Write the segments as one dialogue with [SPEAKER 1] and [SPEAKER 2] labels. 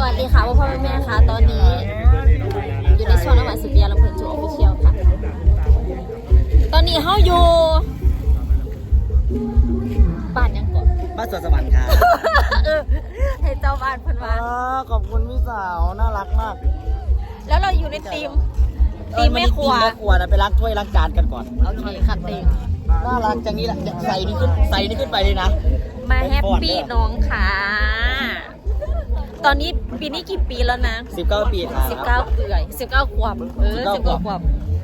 [SPEAKER 1] วัสดีค่ะพ่อแม่ค่ะตอนนี้อยู่ในช่วงระหว่าง10 ปีลำเพลินโชว์ออฟฟิเชียลค่ะตอนนี้เฮาอยู่บ้านยังก่อน
[SPEAKER 2] บ้านสวนสวรรค์ครับ
[SPEAKER 1] ให้เจ้าบ้านเพิ่นว่า
[SPEAKER 2] ขอบคุณพี่สาวน่ารักมาก
[SPEAKER 1] แล้วเราอยู่ในทีมแม่ครัว
[SPEAKER 2] แม่ครัวนะไปล้างถ้วยล้างจานกันก่อน
[SPEAKER 1] โอเคค่ะทีม
[SPEAKER 2] น่ารักจังนี้แหละใส่นี่ขึ้นไปเลยนะ
[SPEAKER 1] มาแฮปปี้น้องค่ะตอนนี้ปีนี้กี่ปีแล้วนะ
[SPEAKER 2] 19 ปีครับ
[SPEAKER 1] 19เปื่อย19 ขวบ19 ขวบ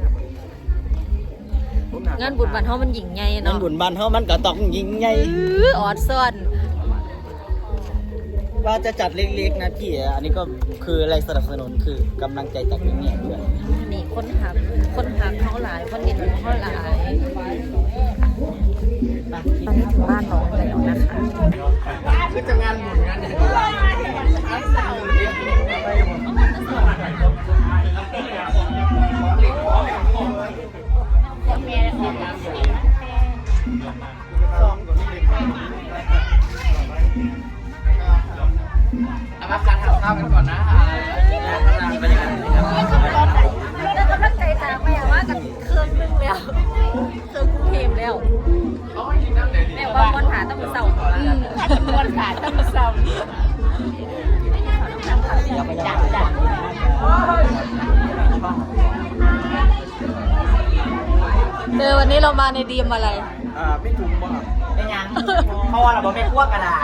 [SPEAKER 1] งานบุญวันเฮามันหญิงใหญ่
[SPEAKER 2] นั่น
[SPEAKER 1] เนาะ
[SPEAKER 2] บุญบ้านเฮามันก็ต้องยิงไง
[SPEAKER 1] ออดซ่อน
[SPEAKER 2] ว่าจะจัดเล็กๆนะพี่อันนี้ก็คืออะไรสนับสนุนคือกำลังใจจากนี่เนี่ยด้วย
[SPEAKER 1] นี่คนหักเขาหลายคนเห็นเขาหลายตอนนี้ถึงบ้านน้องแล้วนะคะคือจะงานบุญงานเนี่ย
[SPEAKER 3] เอามาคัดข้าวกันก่อนนะบรรยากาศ
[SPEAKER 1] แล้วกำลังใจตามไปว่ากับเครื่องนึงแล้วเครื่องกรุงเทพแล้วแม่ว่าวันหาต้องเศร้าวันหาต้องเศร้าวันนี้เรามาในดีมอะไร
[SPEAKER 2] ไม่ถูกป่ะไม่ยังเพราะว่าเราบอกไม่กลัวกระได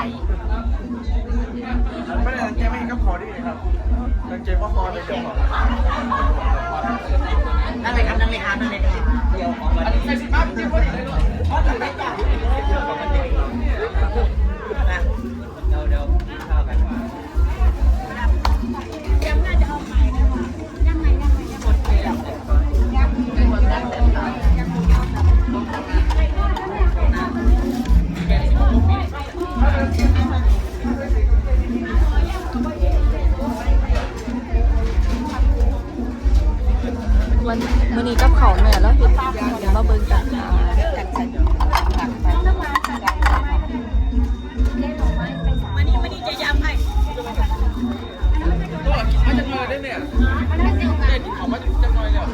[SPEAKER 4] ไม่ได้ตั้งใจไม่เห็นก็พอดีครับตั้งใจว่าพอเลยเดี๋ยวพอ
[SPEAKER 2] นั่นเลยครับเดี๋ยวของวันนี้ใส่สิบห้าจริงพอดีเลยด้วยเพราะถึงได้จ่ายเดี๋ยวข้าวกัน
[SPEAKER 1] วันนี้กับเขาแม่แล้วเห็นเดี๋ยวมาเบิ่งกันมันนี่จะย้ำให้
[SPEAKER 4] มาจากเลยได้เนี่ยเด็ดของมาจากเลยเนี่ย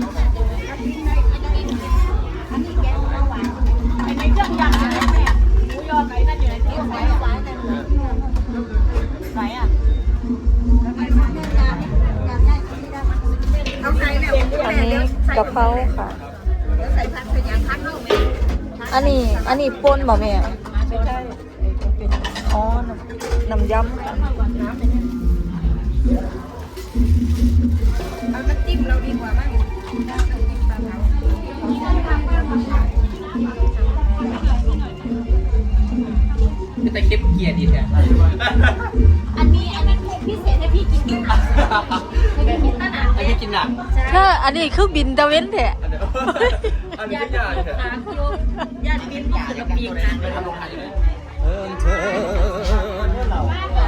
[SPEAKER 1] ในเครื่องยำอะไรแม่หมูยอไก่นั่นอยู่ในที่ซ้ายไหนอ่ะอันนี้กะเพราค่ะอันนี้ป่นบ่แม่อ๋อน้ำยำค่ะเอาน้ำจิ้มเราดีกว่ามั้ง
[SPEAKER 3] แต่คลิปเกียร์ดีแท้
[SPEAKER 1] อันนี้พิเศษให้พี่กินค่ะให้พี่กินตั้งนาน
[SPEAKER 3] ไอ้พี่กินหนัก
[SPEAKER 1] ถ้าอันนี้คือบินตะเว้นแท้
[SPEAKER 4] อันนี้ไม่ยากเลย
[SPEAKER 1] ญาติบินอยากจะปีกนะ
[SPEAKER 3] ไปทำโรงงานอยู่เลย
[SPEAKER 2] เธอเรา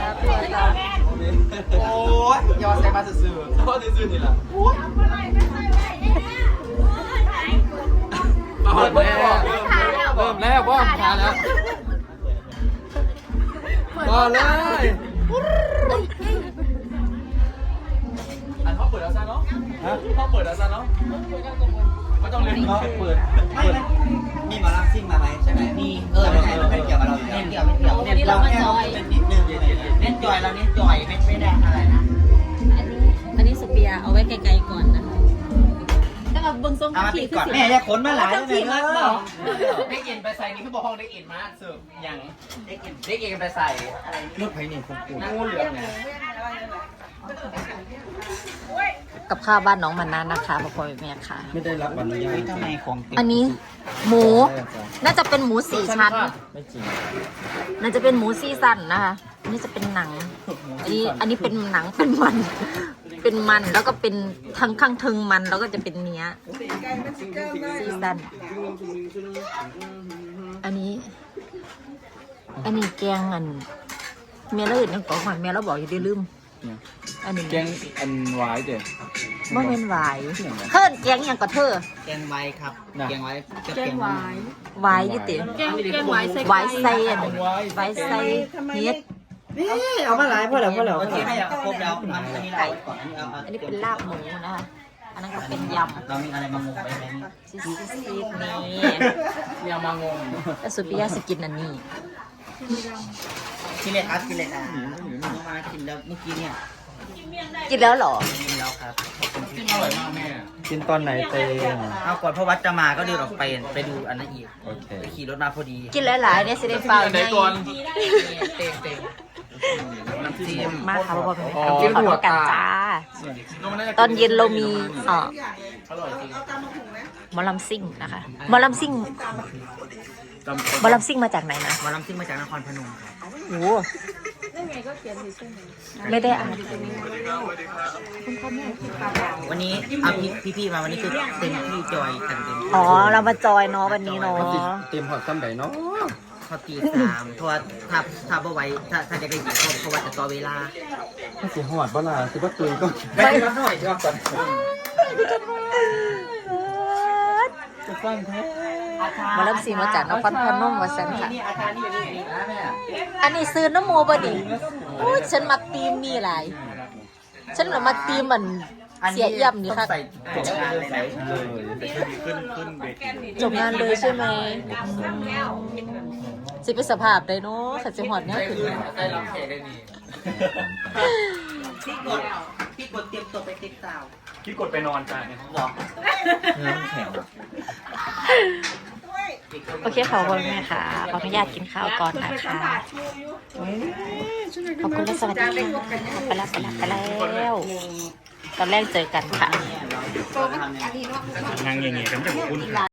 [SPEAKER 4] โอ้ยยอดใส่มาซื่อๆเพราะซื่อๆนี่แหละเริ่มแล้วบ้องทานแล้วมาเลยอันเขาเปิดแล้วซะเนาะเขาเปิดแล้วซะเนาะไม่ต้องเล่น
[SPEAKER 2] เปิดมีหมอลำซิ่งมาไหมใช่ไหมมีไม่เกี่ยวกับเราอยู่แล้วไม่เกี่ยวเน้นเราแค่เป็นนิดนึงเน้นจอยเราเน้นจอยไม่ได้อะไรนะ
[SPEAKER 1] อันนี้สุเปียเอาไว้ไกลๆก่อนนะคะแล้วก็เบิ้งทรง
[SPEAKER 2] เอามาติดก่อนแม่อย่าขนมาหลายเลยเนอะ
[SPEAKER 3] ได้เอ็นไปใส่นี่คือบอกห้องได้เอ็นมาเสิร์ฟอย่างได้เอ็นไปใส่
[SPEAKER 2] รถไฟนี่คงกู
[SPEAKER 3] นั่งงูเหลือมเนี่ย
[SPEAKER 1] กับข้าวบ้านน้องมันนานนะคะพ่อแม่ค่ะ
[SPEAKER 2] ไม่ได้รับอนุญาตทำไมของ
[SPEAKER 1] อันนี้หมู น่าจะเป็นหมู4 ชั้น
[SPEAKER 2] ไม่จริง
[SPEAKER 1] น่าจะเป็นหมู4 ชั้นนะคะอันนี้จะเป็นหนัง อันนี้เป็นหนังเป็นมัน เป็นมันแล้วก็เป็นทั้งข้างทึงมันแล้วก็จะเป็นเนื้อ4 ชั้นอันนี้แกงเมียเราอื่นยังก่อนเมียเราบอกอย่าได้ลืม อันนี้
[SPEAKER 4] แกงอันหวายเด็ด
[SPEAKER 1] บ่เป็นหวายเพิ่นแกงอย่างกับเธอ
[SPEAKER 2] แกงไว้ครับแกงไว้จะ
[SPEAKER 1] แก
[SPEAKER 2] แก
[SPEAKER 1] ง
[SPEAKER 2] ง
[SPEAKER 1] ห
[SPEAKER 2] ไว้
[SPEAKER 1] วายหวายยี่ติ
[SPEAKER 3] แกงหวายใส่
[SPEAKER 1] หวายใส่อันหวายใส่เฮ็ด
[SPEAKER 2] นี่เอามาหลายพอแล้วโอเคให้ครบแล้วอันนี้เราก่อนอันนี้
[SPEAKER 1] อันนี้เป็นลาบหมูนะคะอันนั้นก็เป็นยำ
[SPEAKER 2] เรามีอะไรมางงไปไหม
[SPEAKER 1] ซีดนี่
[SPEAKER 3] เนี่ยมางง
[SPEAKER 1] แต่สุดพี่ยาสกินอันนี้
[SPEAKER 2] กินเลยครับกินเลยนะน้องมากินแล้วเมื่อกี้เนี่ย
[SPEAKER 1] กินแล้วเหรอ
[SPEAKER 2] กินแล้วครับ
[SPEAKER 3] อร่อยมากแม่
[SPEAKER 5] กินตอนไหนเตง
[SPEAKER 2] เอาก่อนพ่อวัดจะมาก็เดินออกไปดูอันนั้นอีก
[SPEAKER 5] โอเค
[SPEAKER 2] ไปขี่รถมาพอดี
[SPEAKER 1] กินหลายๆเนี่ยสิได้ฟัง
[SPEAKER 3] ไหนก่อนเต็ง
[SPEAKER 2] น้ำจิ้ม
[SPEAKER 1] มากค่ะพ่อเป็น
[SPEAKER 3] อ๋อ
[SPEAKER 1] ขอโทษกันจ้า ตอนเย็นเรามี
[SPEAKER 3] อร่อยจริง
[SPEAKER 1] หมอลำซิ่งนะคะหมอลำซิ่งหมอลำซิ่งมาจากไหนนะ
[SPEAKER 2] หมาลำซิ่งมาจากนครพนมครับ
[SPEAKER 1] โอ้ไม่ได้อ่าน
[SPEAKER 2] วันนี้เอาพี่มาวันนี้คือเต็มที่จอยกันเต็มที่
[SPEAKER 1] อ๋อเรามาจอยเนาะวันนี้เนาะ
[SPEAKER 5] เตรียมหอดซ้ำใดเนาะ
[SPEAKER 2] พอตี3เพราะว่าถ้าบ่ไหวถ้าจะได้ยินเพราะว่าจะต่อเวลา
[SPEAKER 5] มันสิหอดบ่ล่ะสิบ่ตุยก็
[SPEAKER 2] ไปรับหน่อยจ้ะก่อน
[SPEAKER 5] จะฟังแท้
[SPEAKER 1] หมอลำซิ่งมาจากนครพนมวาสันค่ะ
[SPEAKER 2] นี่อาจารย์นี่อยู่นี่นะแม่
[SPEAKER 1] อันนี้ซื้อน้ำโมบดีโอ้ยฉันมักตีมนี่หลายฉันน่ะมักตีมมันเสียเอี่ยมนี่ค่ะ
[SPEAKER 2] ใส่จบงานเลยนะ
[SPEAKER 5] เลย
[SPEAKER 1] จบงานเลยใช่ไหมสิเป็นสภาพได้เนาะขัดสิหอดเนี่ยคือ
[SPEAKER 3] ได้รับแขกได้ดี
[SPEAKER 2] พี่กดเตรียมตัวไปติ๊กตาว
[SPEAKER 3] คิดกดไปนอนจ้าเนี่ย
[SPEAKER 2] บอก
[SPEAKER 5] น้ำแข็ง
[SPEAKER 1] โอเคขอบคุณแม่ค่ะขออนุญาตกินข้าวก่อนนะคะขอบคุณและสวัสดีค่ะไปแล้วตอนแรกเจอกันค่ะ
[SPEAKER 2] เราทำเนี่ย
[SPEAKER 3] นั่งอย่างเงี้ยกันจะคุ้น